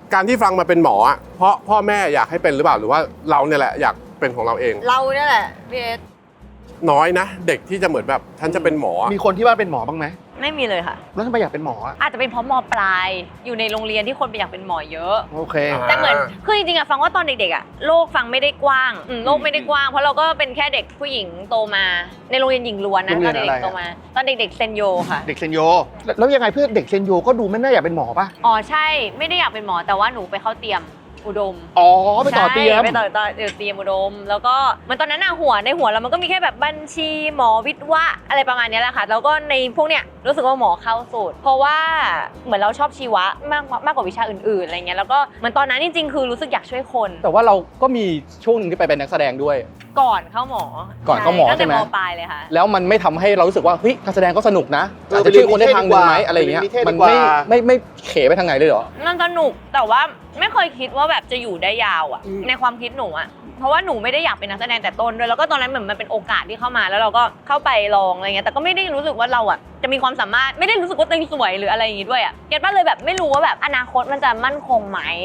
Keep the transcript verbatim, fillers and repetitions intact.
การที่ฟังมาเป็นหมออ่ะเพราะพ่อแม่อยากให้เป็นหรือเปล่าหรือว่าเราเนี่ยแหละอยากเป็นของเราเองเราเนี่ยแหละพี่เอสน้อยนะเด็กที่จะเหมือนแบบฉันจะเป็นหมอมีคนที่ว่าเป็นหมอบ้างไหมไม่มีเลยค่ะแล้วทำไมอยากเป็นหมออ่ะอาจจะเป็นเพราะมปลายอยู่ในโรงเรียนที่คนไปอยากเป็นหมอเยอะโอเคแต่เหมือนคือจริงๆอะฟังว่าตอนเด็กๆอะโลกฟังไม่ได้กว้างโลกไม่ได้กว้างเพราะเราก็เป็นแค่เด็กผู้หญิงโตมาในโรงเรียนหญิงล้วนนะตอนเด็กๆโตมาตอนเด็กๆเซนโยค่ะเด็กเซนโยแล้วยังไงเพื่อนเด็กเซนโยก็ดูไม่น่าอยากเป็นหมอป่ะอ๋อใช่ไม่ได้อยากเป็นหมอแต่ว่าหนูไปเข้าเตรียมอุดมอ๋อไปต่อเตรียมไปต่อต่อเตรียมอุดมแล้วก็มันตอนนั้นอะหัวในหัวเรามันก็มีแค่แบบบัญชีหมอวิทย์วะอะไรประมาณนี้แหละค่ะแล้วก็ในพวกเนี้ยรู้สึกว่าหมอเข้าสูตรเพราะว่าเหมือนเราชอบชีวะมากมากกว่าวิชาอื่นๆอะไรเงี้ยแล้วก็เหมือนตอนนั้นจริงๆคือรู้สึกอยากช่วยคนแต่ว่าเราก็มีช่วงหนึ่งที่ไปเป็นนักแสดงด้วยก่อนเข้าหมอก่อนเข้าหมอใช่ไหมตั้งแต่ม.ปลายเลยค่ะแล้วมันไม่ทำให้เรารู้สึกว่าเฮ้ยการแสดงก็สนุกนะอาจจะช่วยคนได้ทางหนึ่งไหมอะไรเงี้ยมันไม่ไม่ไม่เขไปทางไหนเลยเหรอมันสนุกแต่ว่าไม่เคยคิดว่าแบบจะอยู่ได้ยาวอ่ะในความคิดหนูอ่ะเพราะว่าหนูไม่ได้อยากเป็นนักแสดงแต่ต้นด้วยแล้วก็ตอนนั้นเหมือนมันเป็นโอกาสที่เข้ามาแล้วเราก็เข้าไปลองอะไรเงี้ยแต่ก็ไม่ได้รู้สึกว่าเราอ่ะจะมีความสามารถไม่ได้รู้สึกว่าตัวเองสวยหรืออะไรอย่างงี้ด้วยอ่ะเก็ตป่ะเลยแบบไม่รู้ว่าแบบอนาคตมันจะมั่นคงไหม